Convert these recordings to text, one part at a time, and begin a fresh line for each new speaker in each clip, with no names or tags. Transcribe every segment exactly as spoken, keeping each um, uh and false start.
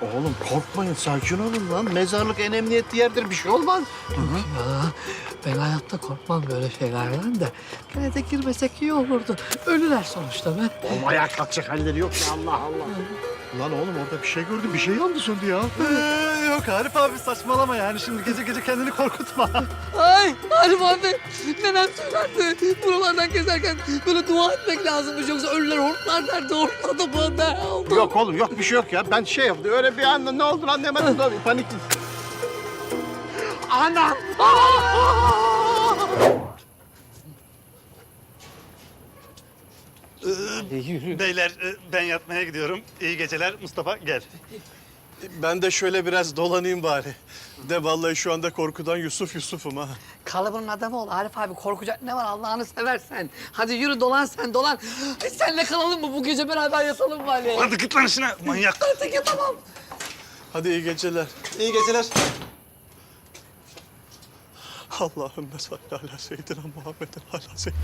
Oğlum korkmayın, sakin olun lan. Mezarlık en emniyetli yerdir, bir şey olmaz.
Ya, ben hayatta korkmam böyle şeylerden de. Gene de girmesek iyi olurdu. Ölüler sonuçta be.
Oğlum ayağa kalkacak halleri yok ya, Allah Allah. Lan oğlum orada bir şey gördüm, bir şey yandı söndü ya.
Ee, yok Arif abi saçmalama yani. Şimdi gece gece kendini korkutma.
Ay Arif abi, nenem söylerdi. Buralardan gezerken böyle dua etmek lazımmış. Yoksa ölüler hortlar derdi. Hortladı bu ne oldu?
Yok oğlum, yok bir şey yok ya. Ben şey yaptım, öyle bir anda ne olduğunu anlayamadım da panik. Anam!
Beyler e, ben yatmaya gidiyorum. İyi geceler. Mustafa gel.
Ben de şöyle biraz dolanayım bari. De vallahi şu anda korkudan Yusuf Yusuf'um ha.
Kalıbının adamı ol Arif abi. Korkacak ne var Allah'ını seversen. Hadi yürü dolan sen dolan. E, senle kalalım mı bu gece beraber yatalım mı Ali?
Hadi git lan işine manyak.
Artık yatamam.
Hadi iyi geceler.
İyi geceler.
Allahümme salli ala seyyidina Muhammedin ala seyyidina.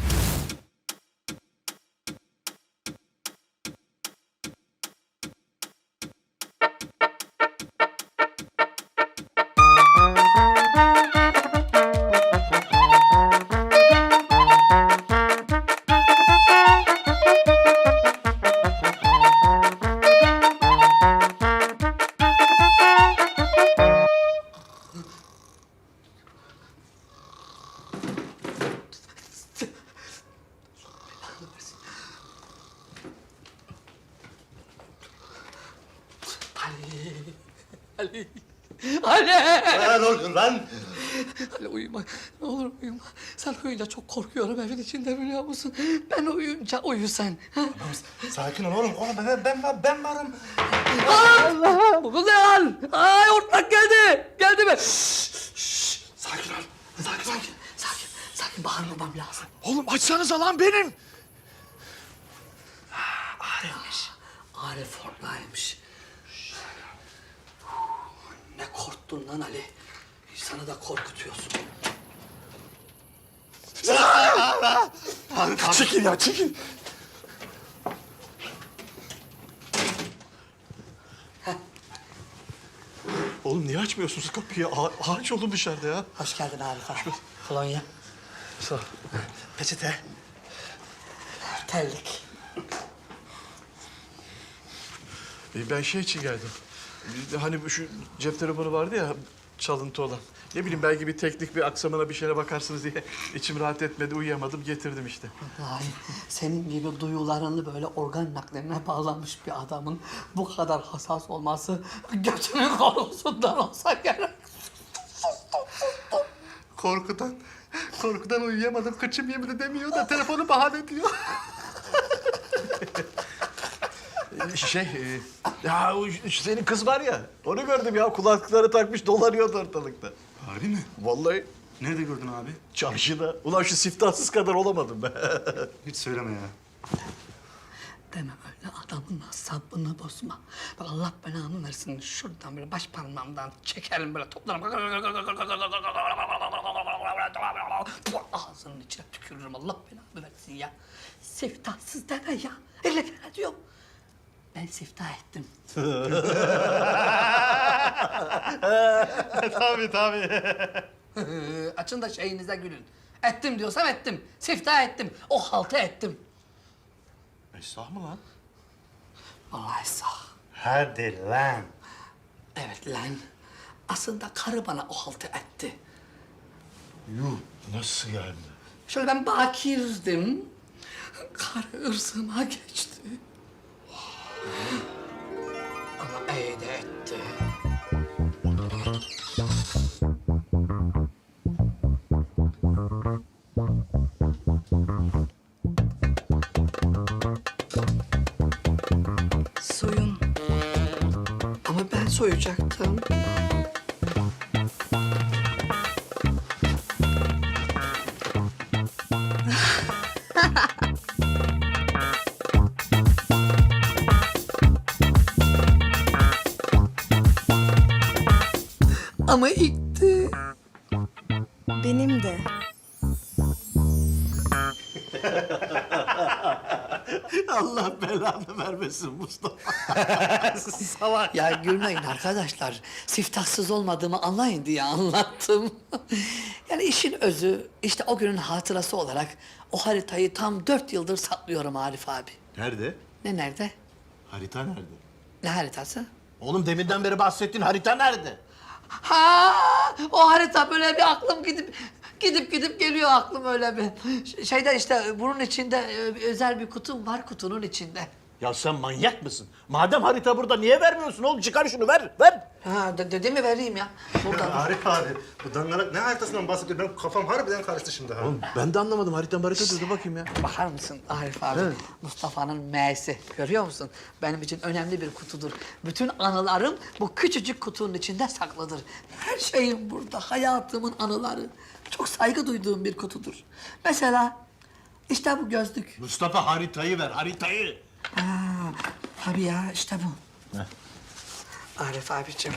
Ali. Ali.
Ne oldu lan?
Ali uyuma. Ne olur uyuma. Sen uyuyunca çok korkuyorum evin içinde biliyor musun? Ben uyuyunca uyu sen. Ha?
Sakin ol oğlum. Oğlum ben, ben, ben, ben varım.
Allah! Bu ne lan? Ay ortak geldi. Geldi mi?
Sakin ol. Sakin ol.
Sakin, sakin, sakin. Bağırmamam lazım.
Oğlum açsanıza lan benim.
Arif'miş. Arif oradaymış. Ne korktun lan Ali? Sana da korkutuyorsun.
Çekil ya çekil. Oğlum niye açmıyorsunuz kapıyı? A- ağaç olun dışarıda ya.
Hoş geldin Arif abi. Kolonya.
Sağ ol.
Peçete.
Terlik.
E, Ben şey için geldim. Hani bu şu cep telefonu vardı ya çalıntı olan. Ne bileyim belki bir teknik bir aksamına bir şeyine bakarsınız diye içim rahat etmedi, uyuyamadım, getirdim işte.
Vallahi senin gibi duyularını böyle organ naklerine bağlanmış bir adamın bu kadar hassas olması götünün korkusundan olsa gerek.
Korkudan, korkudan uyuyamadım. Kıçım yemedi demiyor da telefonu bahane ediyor. şey, e, ya o şu senin kız var ya, onu gördüm ya. Kulaklıkları takmış dolanıyordu ortalıkta.
Harbi mi?
Vallahi
Nerede gördün abi?
çarşıda. Ulan şu siftahsız kadar olamadım be.
Hiç söyleme ya.
Deme öyle adamın asabını bozma. Bak Allah belanı versin şuradan böyle baş parmağımdan çekerim böyle toplarım. Ağzının içine tükürürüm Allah belanı versin ya. Siftahsız deme ya. Elle fena diyorum. Ben siftah ettim.
tabii tabii.
Açın da şeyinize gülün. Ettim diyorsam ettim. Siftah ettim. O haltı ettim.
Esnaf mı lan?
Vallahi sağ.
Hadi lan.
Evet lan. Aslında karı bana o haltı etti.
Yuh, nasıl yani?
Şöyle ben bakirdim. Karı ırzıma geçti. Ama iyi de etti. Soyun. Ama ben soyacaktım. Ama itti.
Benim de.
Allah belanı vermesin Mustafa.
Salak.
Ya gülmeyin arkadaşlar. Siftahsız olmadığımı anlayın diye anlattım. Yani işin özü işte o günün hatırası olarak o haritayı tam dört yıldır saklıyorum Arif abi.
Nerede?
Ne nerede?
Harita nerede?
Ne haritası?
Oğlum deminden beri bahsettiğin harita nerede?
Ha, o harita böyle bir aklım gidip gidip gidip geliyor aklım öyle bir. Ş- Şeyde işte bunun içinde e, bir özel bir kutum var kutunun içinde.
Ya sen manyak mısın? Madem harita burada niye vermiyorsun oğlum? Çıkar şunu ver, ver.
Ha de, dedi mi vereyim ya. Burada.
Arif abi, bu dangalak ne haritasından bahsediyor? Benim kafam harbiden karıştı şimdi ha.
Oğlum ben de anlamadım. Harita harita dur bakayım ya.
Bakar mısın Arif abi? Mustafa'nın M'si. Görüyor musun? Benim için önemli bir kutudur. Bütün anılarım bu küçücük kutunun içinde saklıdır. Her şeyim burada. Hayatımın anıları. Çok saygı duyduğum bir kutudur. Mesela işte bu gözlük.
Mustafa haritayı ver, haritayı.
Ha, tabii ya işte bu. Arif abicim.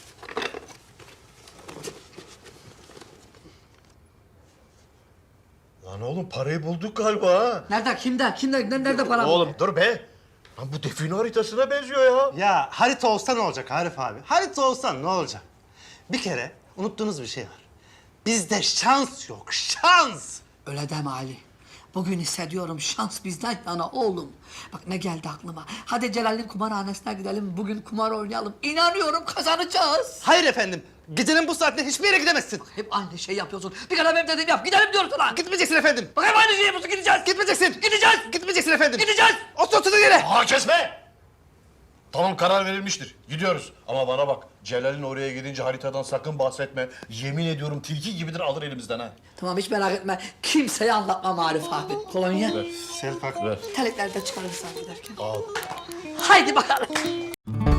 Lan oğlum parayı bulduk galiba ha.
Nerede? Kimde? Kimde? ne- Nerede param?
Oğlum dur be. Lan bu define haritasına benziyor ya.
Ya harita olsa ne olacak Arif abi? Harita olsa ne olacak? Bir kere unuttuğunuz bir şey var. Bizde şans yok, şans!
Öyle deme Ali. Bugün hissediyorum şans bizden yana oğlum. Bak ne geldi aklıma. Hadi Celal'in kumarhanesine gidelim. Bugün kumar oynayalım. İnanıyorum kazanacağız.
Hayır efendim, gecenin bu saatinde hiçbir yere gidemezsin.
Hep aynı şey yapıyorsun. Bir kere benim dediğimi yap. Gidelim diyoruz lan.
Gitmeyeceksin efendim.
Bak hep aynı şeyi yapıyorsun. Gideceğiz.
Gitmeyeceksin.
Gideceğiz.
Gitmeyeceksin efendim.
Gideceğiz.
Otur oturduğun yere.
Aa kesme! Tamam karar verilmiştir. Gidiyoruz. Ama bana bak Celal'in oraya gidince haritadan sakın bahsetme. Yemin ediyorum tilki gibidir alır elimizden ha.
Tamam hiç merak etme. Kimseye anlatmam Arif abi. Kolonya.
Selpak.
Ver.
Terlikleri de çıkarırsan giderken.
Al.
Haydi bakalım.